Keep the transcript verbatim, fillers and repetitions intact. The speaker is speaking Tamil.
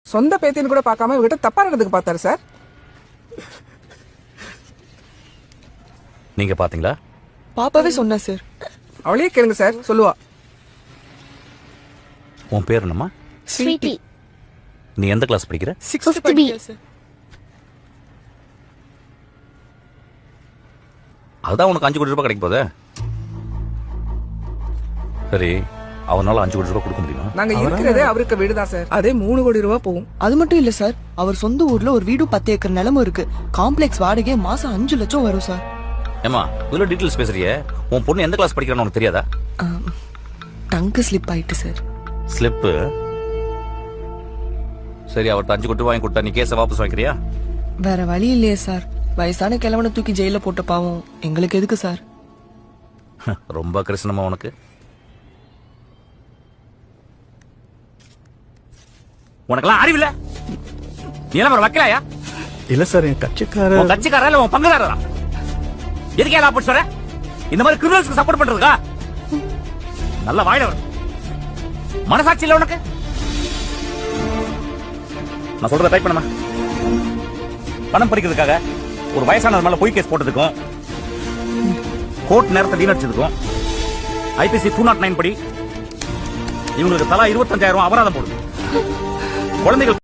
சொந்த பேத்தின்னு கூட பார்க்காம இவகிட்ட தப்பா நடந்துக்கு பார்த்தாரு சார். நீங்க பாத்தீங்களா? பாப்பாவே சொன்னா சார். அவளையே கேளுங்க சார், சொல்லுவா. உன் பேர் என்னம்மா? ஸ்வீட்டி. நீ எந்த கிளாஸ் படிக்கிற? சிக்ஸ்த் படிக்கிறேன் சார். அதுதான் உனக்கு அஞ்சு கோடி ரூபாய் கிடைக்க போதே. சரி, அவனால அஞ்சு கோடி ரூபாய் கொடுக்க முடியுமா? நாங்க இருக்கிறதே அவருக்கு வீடுதான் சார், அதே மூணு கோடி ரூபாய் போகும். அது மட்டும் இல்ல சார், அவர் சொந்த ஊர்ல ஒரு வீடு பத்து ஏக்கர் நிலமும் இருக்கு. காம்ப்ளெக்ஸ் வாடகை மாசம் அஞ்சு லட்சம் வரும் சார். ஏமா இவ்வளவு டீடைல்ஸ் பேசுறியே, உன் பொண்ணு எந்த கிளாஸ் படிக்கிறான்னு உனக்கு தெரியாதா? டங்கு ஸ்லிப் ஆயிட்டு சார். ஸ்லிப்பு? சரி, அவர்கிட்ட அஞ்சு கோடி வாங்கி கொடுத்தா நீ கேஸை வாபஸ் வாங்கிக்கிறியா? வேற வழி இல்லையே சார். வயசான கிழவனை தூக்கி ஜெயில போட்ட பாவம் எங்களுக்கு எதுக்கு சார்? ரொம்ப கிருஷ்ணமா உனக்கு. உனக்கெல்லாம் அறிவில்ல? நீ எல்லாம் ஒரு வக்கீலாயா? இல்ல சார், என் கட்சிக்கார உன் கட்சிக்காரா இல்ல உன் பங்குதாரரா? எதுக்கே எல்லாம் அப்படி சொல்ற? இந்த மாதிரி கிரிமினல்ஸ்க்கு சப்போர்ட் பண்றதுக்கா? நல்ல வாயில வரும். மனசாட்சி இல்ல உனக்கு? நான் சொல்றத டைப் பண்ணுமா? பணம் பறிக்கிறதுக்காக ஒரு வயசானவர் மேல பொய் கேஸ் போட்டதுக்கும், கோர்ட் நேரத்தை வீணடிச்சதுக்கும் ஐபிசி டூ நாட் நைன் படி இவங்களுக்கு தலா இருபத்தஞ்சாயிரம் அபராதம் போடுது. குழந்தைகள்